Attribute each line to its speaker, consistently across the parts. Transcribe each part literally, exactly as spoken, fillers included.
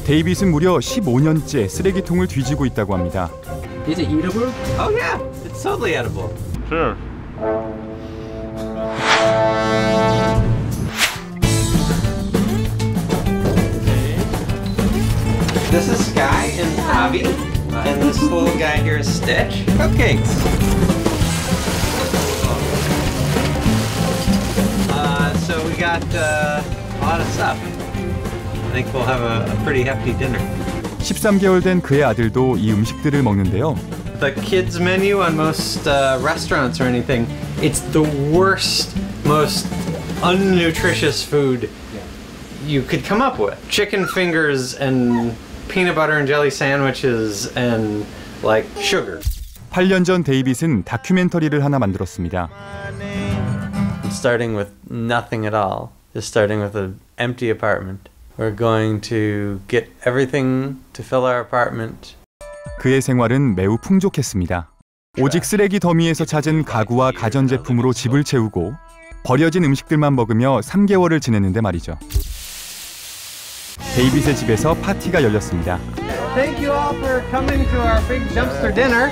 Speaker 1: 데이빗은 무려 십오 년째 쓰레기통을 뒤지고 있다고 합니다.
Speaker 2: Is it eatable? Oh yeah, it's totally edible.
Speaker 3: Sure.
Speaker 2: This is Sky and Avi, and this little guy here is Stitch. Cupcakes. Uh, so we got uh, a lot of stuff. I think we'll have a, a pretty hefty dinner.
Speaker 1: 십삼 개월 된 그의 아들도 이 음식들을 먹는데요.
Speaker 2: The kids menu on most uh, restaurants or anything, it's the worst, most unnutritious food you could come up with. Chicken fingers and peanut butter and jelly sandwiches and like sugar.
Speaker 1: 팔 년 전 데이빗은 다큐멘터리를 하나 만들었습니다.
Speaker 4: Starting with nothing at all, just starting with an empty apartment. We're going to get everything to fill our apartment.
Speaker 1: 그의 생활은 매우 풍족했습니다. 오직 쓰레기 더미에서 찾은 가구와 가전제품으로 집을 채우고 버려진 음식들만 먹으며 삼 개월을 지냈는데 말이죠. 데이빗의 집에서 파티가 열렸습니다.
Speaker 2: Thank you all for coming to our big dumpster dinner.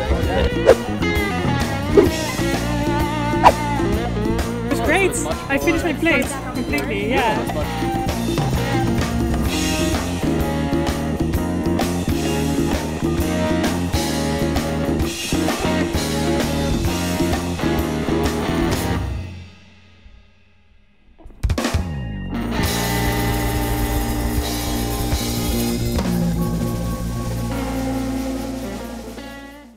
Speaker 5: It was great. I finished my plate completely. Yeah.